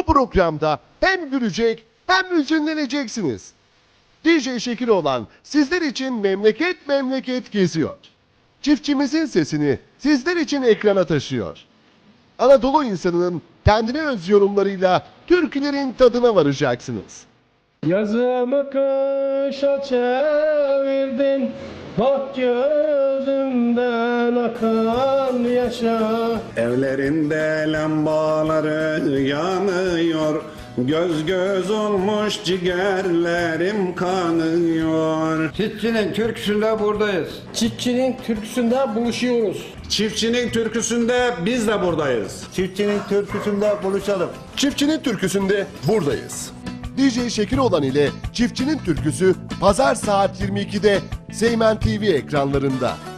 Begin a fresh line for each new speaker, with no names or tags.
programda hem gülecek hem hüzünleneceksiniz. DJ Şekil olan sizler için memleket memleket geziyor. Çiftçimizin sesini sizler için ekrana taşıyor. Anadolu insanının kendine öz yorumlarıyla türkülerin tadına varacaksınız.
Yazımı kışa çevirdin, bak gözümden akan yaşa.
Evlerinde lambaları yanıyor, göz göz olmuş ciğerlerim kanıyor.
Çiftçinin türküsünde buradayız.
Çiftçinin türküsünde buluşuyoruz.
Çiftçinin türküsünde biz de buradayız.
Çiftçinin türküsünde buluşalım.
Çiftçinin türküsünde buradayız. DJ Şekil olan ile Çiftçinin Türküsü pazar saat 22'de Seymen TV ekranlarında.